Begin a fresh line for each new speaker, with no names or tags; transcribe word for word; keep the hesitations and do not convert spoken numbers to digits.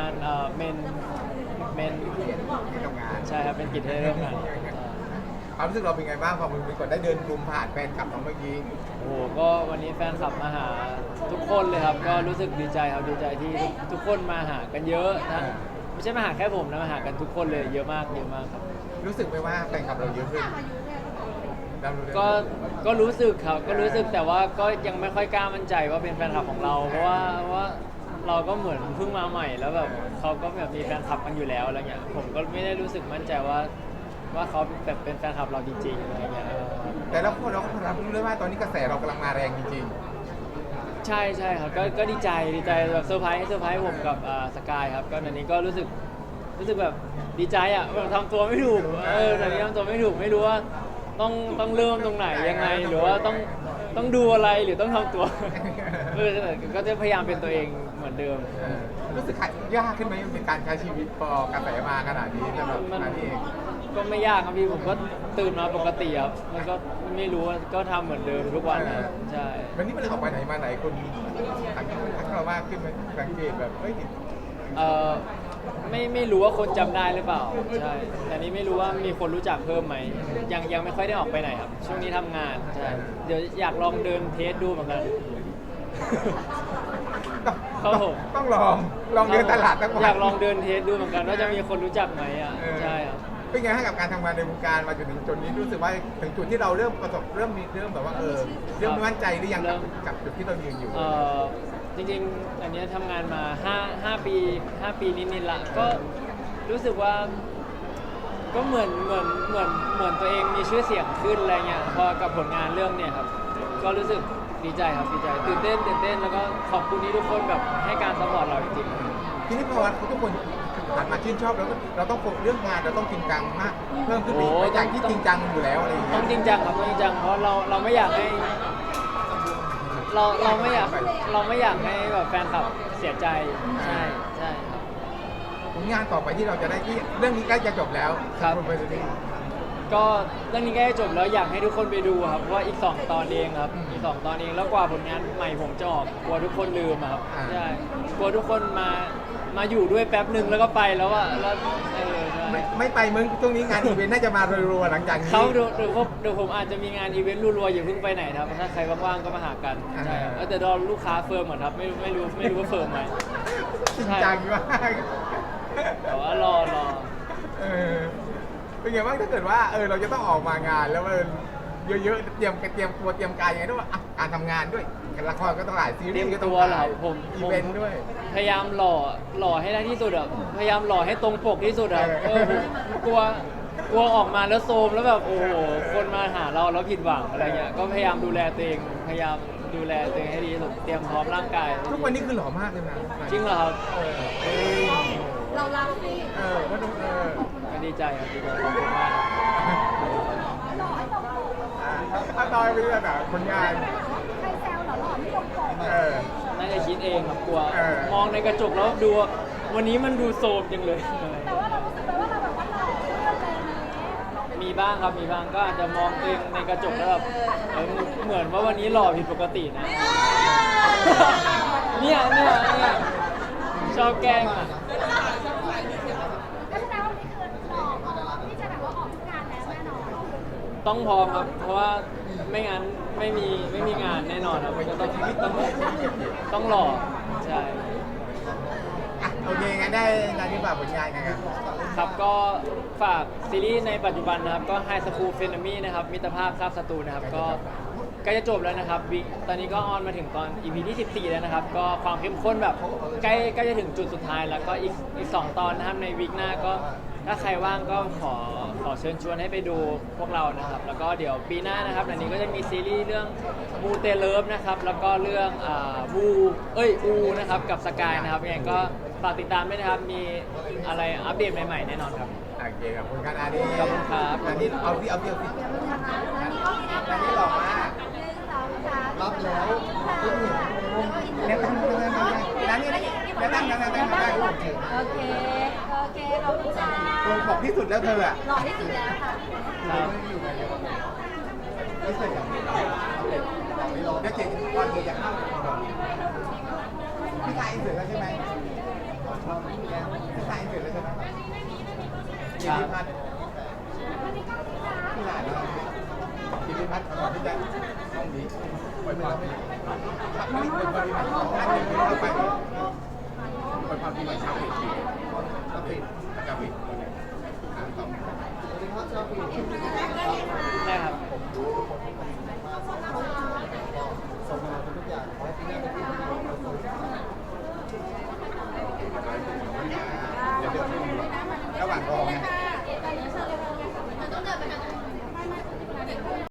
านเอ่อเมนเมน
ที่ทำงาน
ใช่ครับเป็นกิจที่ได้ร่วมงาน
ความรู้สึกเราเป็นไงบ้างพอมึงเป็นคนได้เดินกลุ่มผ่านแฟนคลับเราเมื่อกี้
โอ้โหก็วันนี้แฟนคลับมาหาทุกคนเลยครับก็รู้สึกดีใจครับดีใจที่ทุกคนมาหากันเยอะทั้งไม่ใช่มาหาแค่ผมนะมาหากันทุกคนเลยเยอะมากเยอะมากครับ
รู้สึกไหมว่าแฟนคลับเราเยอะขึ้นเรารู้ได้
ก็ก็รู้สึกครับก็รู้สึกแต่ว่าก็ยังไม่ค่อยกล้ามั่นใจว่าเป็นแฟนคลับของเราเพราะว่าเพราะว่าเราก็เหมือนเพิ่งมาใหม่แล้วแบบเขาก็แบบมีแฟนคลับกันอยู่แล้วอะไรเงี้ยผมก็ไม่ได้รู้สึกมั่นใจว่าว่าเขาแบบเป็นแฟนคลับเราจริงๆอะไรเงี้ยเออ
แต่เราก็เราก็รับรู้เลยว่าตอนนี้กระแสเรากำลังมาแรงจริง
ใช่ใช่ครับก็ก็ดีใจดีใจแบบเซอร์ไพรส์เซอร์ไพรส์ผมกับอ่าสกายครับก็อันนี้ก็รู้สึกรู้สึกแบบดีใจอ่ะแบบทำตัวไม่ถูกเออตอนนี้ทำตัวไม่ถูกไม่รู้ว่าต้องต้องเริ่มตรงไหนยังไงหรือว่าต้องต้องดูอะไรหรือต้องทำตัวเออก็จะพยายามเป็นตัวเองเหมือนเดิม
ๆเออรู้สึกยากขึ้นไหมเป็นการใช้ชีวิตพอกระแสมาขนาดนี้สำหรับ
มัน
นันเอง
ก็ไม่ยากครับพี่ผมก็ตื่นมาปกติครับมันก็ไม่รู้ว่าก็ทำเหมือนเดิมทุกวันนะใช่
วันนี้มันออกไปไหนมาไหนคนทักทักเรามากขึ้นไหมสังเกตแบบเฮ้ย
เออไม่ไม่รู้ว่าคนจำได้หรือเปล่าใช่แต่นี้ไม่รู้ว่ามีคนรู้จักเพิ่มไหมยังยังไม่ค่อยได้ออกไปไหนครับช่วงนี้ทำงานใช่เดี๋ยวอยากลองเดินเทสดูเหมือนกัน
ต้อง
ครับผม
ต้องลองลองเดินตลาดตั้งวัน
อยากลองเดินเทสดูเหมือนกันว่าจะมีคนรู้จักไหมอ่ะ
เออ
ใช่ครับ
เป็นไงให้กับการทำงานในวงการมาจนถึงจุดนี้รู้สึกว่าถึงจุดที่เราเริ่มประสบเริ่มมีเริ่มแบบว่าเออเริ่มมั่นใจหรือยังกับกับจุดที่เรายืนอยู่
เอ่อจริงๆ อันเนี้ยทำงานมาห้า ห้าปีห้าปีนิดๆละก็รู้สึกว่าก็เหมือนเหมือนเหมือนเหมือนตัวเองมีชื่อเสียงขึ้นอะไรเงี้ยพอกับผลงานเรื่องเนี่ยครับก็รู้สึกดีใจครับดีใจตื่นเต้นตื่นเต้นแล้วก็ขอบคุณที่ทุกคนแบบให้การซัพพอร์ตเราจริง
ทีนี้พอทุกคนหันมาชื่นชอบแล้วก็เราต้องโฟกัสเรื่องงานเราต้องจริงจังมากเพิ่มขึ้นไปอีกไม่จากที่จริงจังอยู่แล้วอะไรอย่าง
ๆ
เงี้
ต้อย งจริงจังครับต้องจริงจังเพราะเราเราไม่อยากให้ เราเราไม่อยากเราไม่อยากให้แบบแฟนคลับเสียใจใช่ใช่ครับ
ผลงานต่อไปที่เราจะได้ที่เรื่องนี้ใกล้จะจบแล้ว
ครับ
ณไปดูดิ
ก็เรื่องนี้ใกล้จะจบแล้วอยากให้ทุกคนไปดูครับเพราะว่าอีกสองตอนเองครับอีกสองตอนเองแล้วกว่าผลงานใหม่ผมจะออกกลัวทุกคนลืมอะครับใช่กลัวทุกคนมามาอยู่ด้วยแป๊บหนึ่งแล้วก็ไปแล้วอะแล้วเออใช่
ไม่ไม่ไปมึงช่วงนี้งานอีเวนต์น่าจะมารัวๆหลังจากนี้
เขาเดี๋ยวเดี๋ยวผมเดี๋ยวผมอาจจะมีงานอีเวนต์รัวๆอย่าเพิ่งไปไหนครับถ้าใครว่างๆก็มาหากันใช่ครับเออแต่รอลูกค้าเฟิร์มเหมือนครับไม่ไม่รู้ไม่รู้ว่าเฟิร์มไหม
จริงจังมาก
แต่ว่ารอรอ
เออเป็นไงบ้างถ้าเกิดว่าเออเราจะต้องออกมางานแล้วมันเยอะๆเตรียมเตรียมตัวเตรียมกายยังไงด้วยว่าอ่ะการทำงานด้วยละครก็ต้องหลายซี
เต
รี
รียม
ส์ก็ต้อ
ตั
ง
วเหรอ
ถ่าย
ผม
อี
ผม
เวนต์ด้วย
พยายามหล่อหล่อให้ได้ที่สุดอะพยายามหล่อให้ตรงปกที่สุดอะ
เอ
เอ
อ
อผมกลัวกลัวออกมาแล้วโซมแล้วแบบโอ้โหคนมาหาเราแล้วผิดหวังอะไรเงี้ยก็พยายามดูแลตัวเองพยายามดูแลตัวเองให้ดีที่สุดเตรียมพร้อมร่างกาย
ทุกวันนี้คือหล่อมากเลยนะ
จริงเหรอครับ
เออเออ
เราเราสิ
เออว่าต้องเออ
ก็ดีใจครับดีใจขอบคุณมาก
ถ้าตอยไปเรื่อยแบบผลงาน
ใครแซวเหรอหล่อไม่ลงปก
เออ
น่าจะคิดเองครับกลัว
เออ
มองในกระจกแล้วดูว่าวันนี้มันดูโซมจังเลย
แต่ว่าเรารู้สึกเลยว่าเราแบบว่าหล่อขึ้นอะไรอย่างนี้
มีบ้างครับมีบ้างก็อาจจะมองตัวเองในกระจกแล้วแบบเออเหมือนว่าวันนี้หล่อผิดปกตินะ เนี่ยเนี่ยเนี่ยชอบแกล้งอ่ะ
ก็แสดงว่านี่คือหล่อพอที่จะแบบว่าออกทุกงานแล้วแน่นอน
ต้องพร้อมครับ เพราะว่าไม่งั้นไม่มีไม่มีงานแน่นอนครับก็ต้องต้องต้องหล่อใช่
อ่ะโอเคงั้นได้งานนี้ฝากผลงานกันครับ
ครับก็ฝากซีรีส์ในปัจจุบันนะครับก็ High School f r e n e m y นะครับมิตรภาพคาบศัตรูนะครับก็ใกล้จะจบแล้วนะครับวิกตอนนี้ก็ออนมาถึงตอน อี พี ที่สิบสี่แล้วนะครับก็ความเข้มข้นแบบใกล้ใกล้จะถึงจุดสุดท้ายแล้วก็อีกอีกสองตอนนะครับในวิกหน้าก็ถ้าใครว่างก็ขอขอเชิญชวนให้ไปดูพวกเรานะครับแล้วก็เดี๋ยวปีหน้านะครับอันนี้ก็จะมีซีรีส์เรื่องมูเตเลิฟนะครับแล้วก็เรื่องอ่าบูเอ้ยอูนะครับกับสกายนะครับยังไงก็ฝากติดตามด้วยนะครับมีอะไรอัปเดตใหม่ๆแน่นอนครับ
โอเคครับคุณกันอันนี้
ขอบคุณครับ
อันนี้เอาที่เอาที่เอาที่
อันนี้ก็มีนะ
อันนี้หล่อมาก
หนึ่งสองสาม
รับแล้วแนะนำแนะนำร้านนี้แนะนำแนะนำแนะนำได้
โอเค โอเค ขอบคุณจ้า
ตรงของที่สุดแล้วเธออ่ะ
หล่อที่สุดแล้วค่ะ
ครับ
ไม่ใช่อย่างนี้เดี๋ยวเจ๊ก่อนเจ๊จะเข้าพี่ถ่ายเสร็จแล้วใช่ไหมถ่ายเสร็จแล้วใช่ไหม
ค
กิ
รั
น
บ
พัดที่ไหนนะกินพัดก่อนที่จะต้องดีปล่อยความไม่ปล่อยความที่ไหนอันหนึ่งไม่เข้าไปปล่อยความที่ไหนชาวปิดชาวปิดชาวปิดอ่าต่อ
ได้ครับ
ส่งมาทุกอย่างขอให้ที่นี่เป็นที่ที่เราส่ง
Thank you.